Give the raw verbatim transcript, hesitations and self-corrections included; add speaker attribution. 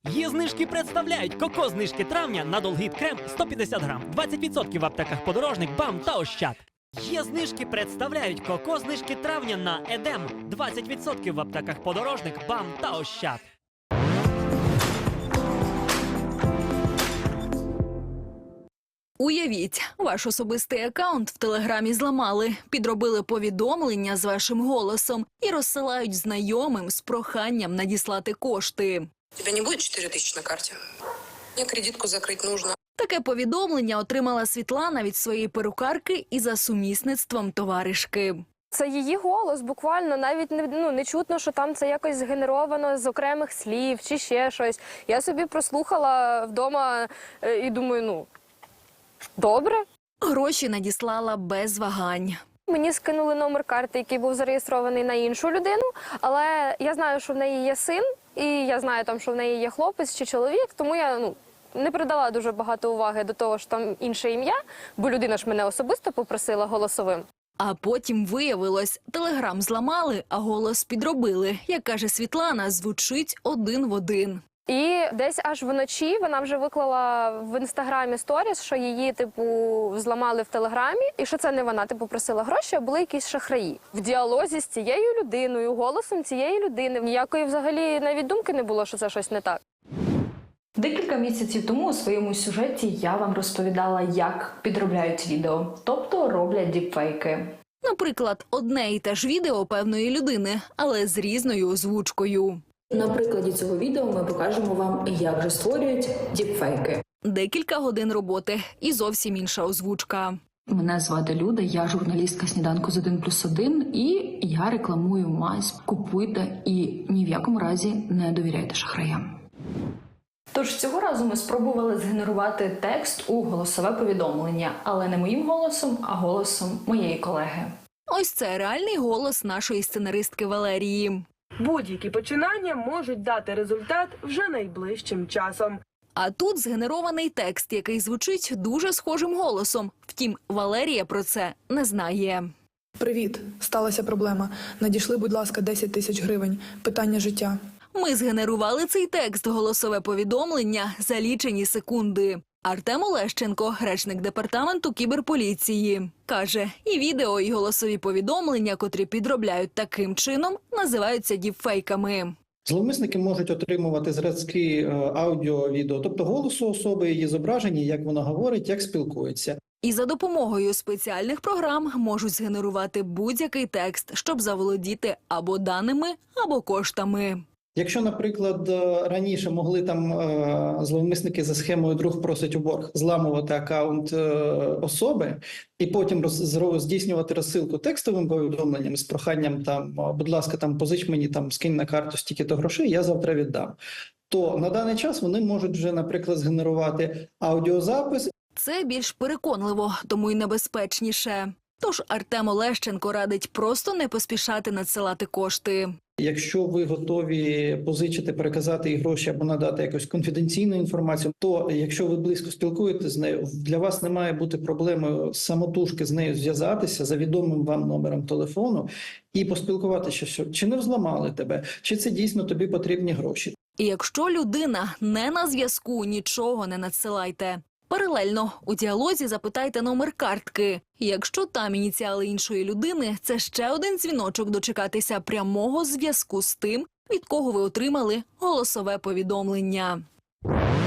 Speaker 1: Є знижки представляють коко-знижки травня на Долгіт крем сто п'ятдесят грам, двадцять відсотків в аптеках Подорожник, БАМ та Ощад. Є знижки представляють коко-знижки травня на Едем, двадцять відсотків в аптеках Подорожник, БАМ та Ощад.
Speaker 2: Уявіть, ваш особистий акаунт в Телеграмі зламали, підробили повідомлення з вашим голосом і розсилають знайомим з проханням надіслати кошти.
Speaker 3: У тебя не будет четыре тысячи на карте? Мне кредитку закрыть нужно.
Speaker 2: Таке повідомлення отримала Світлана від своєї перукарки і за сумісництвом товаришки.
Speaker 4: Це її голос, буквально, навіть не, ну, не чутно, що там це якось згенеровано з окремих слів чи ще щось. Я собі прослухала вдома е, і думаю, ну, добре.
Speaker 2: Гроші надіслала без вагань.
Speaker 4: Мені скинули номер карти, який був зареєстрований на іншу людину, але я знаю, що в неї є син, і я знаю, там, що в неї є хлопець чи чоловік, тому я ну, не придала дуже багато уваги до того, що там інше ім'я, бо людина ж мене особисто попросила голосовим.
Speaker 2: А потім виявилось, Телеграм зламали, а голос підробили. Як каже Світлана, звучить один в один.
Speaker 4: І десь аж вночі вона вже виклала в інстаграмі сторіс, що її, типу, зламали в Телеграмі, і що це не вона, типу, просила гроші, а були якісь шахраї. В діалозі з цією людиною, голосом цієї людини. Ніякої взагалі навіть думки не було, що це щось не так.
Speaker 5: Декілька місяців тому у своєму сюжеті я вам розповідала, як підробляють відео, тобто роблять діпфейки.
Speaker 2: Наприклад, одне і те ж відео певної людини, але з різною озвучкою.
Speaker 5: На прикладі цього відео ми покажемо вам, як же створюють діпфейки.
Speaker 2: Декілька годин роботи і зовсім інша озвучка.
Speaker 5: Мене звати Люда, я журналістка «Сніданку з один плюс один» і я рекламую мазь. Купуйте і ні в якому разі не довіряйте шахраям. Тож цього разу ми спробували згенерувати текст у голосове повідомлення, але не моїм голосом, а голосом моєї колеги.
Speaker 2: Ось це реальний голос нашої сценаристки Валерії.
Speaker 6: Будь-які починання можуть дати результат вже найближчим часом.
Speaker 2: А тут згенерований текст, який звучить дуже схожим голосом. Втім, Валерія про це не знає.
Speaker 7: Привіт, сталася проблема. Надійшли, будь ласка, десять тисяч гривень. Питання життя.
Speaker 2: Ми згенерували цей текст, голосове повідомлення, за лічені секунди. Артем Олещенко, речник департаменту кіберполіції, каже, і відео, і голосові повідомлення, котрі підробляють таким чином, називаються діпфейками.
Speaker 8: Зловмисники можуть отримувати зразки аудіо, відео, тобто голосу особи, її зображення, як вона говорить, як спілкується.
Speaker 2: І за допомогою спеціальних програм можуть згенерувати будь-який текст, щоб заволодіти або даними, або коштами.
Speaker 8: Якщо, наприклад, раніше могли там зловмисники за схемою «друг просить у борг» зламувати акаунт особи і потім роз, здійснювати розсилку текстовим повідомленням з проханням там, будь ласка, там позич мені, там скинь на карту стільки-то грошей, я завтра віддам. То на даний час вони можуть вже, наприклад, згенерувати аудіозапис.
Speaker 2: Це більш переконливо, тому й небезпечніше. Тож Артем Олещенко радить просто не поспішати надсилати кошти.
Speaker 8: Якщо ви готові позичити, переказати їй гроші або надати якусь конфіденційну інформацію, то якщо ви близько спілкуєтеся з нею, для вас не має бути проблемою самотужки з нею зв'язатися за відомим вам номером телефону і поспілкуватися, що чи не взламали тебе, чи це дійсно тобі потрібні гроші.
Speaker 2: І якщо людина не на зв'язку, нічого не надсилайте. Паралельно у діалозі запитайте номер картки. І якщо там ініціали іншої людини, це ще один дзвіночок дочекатися прямого зв'язку з тим, від кого ви отримали голосове повідомлення.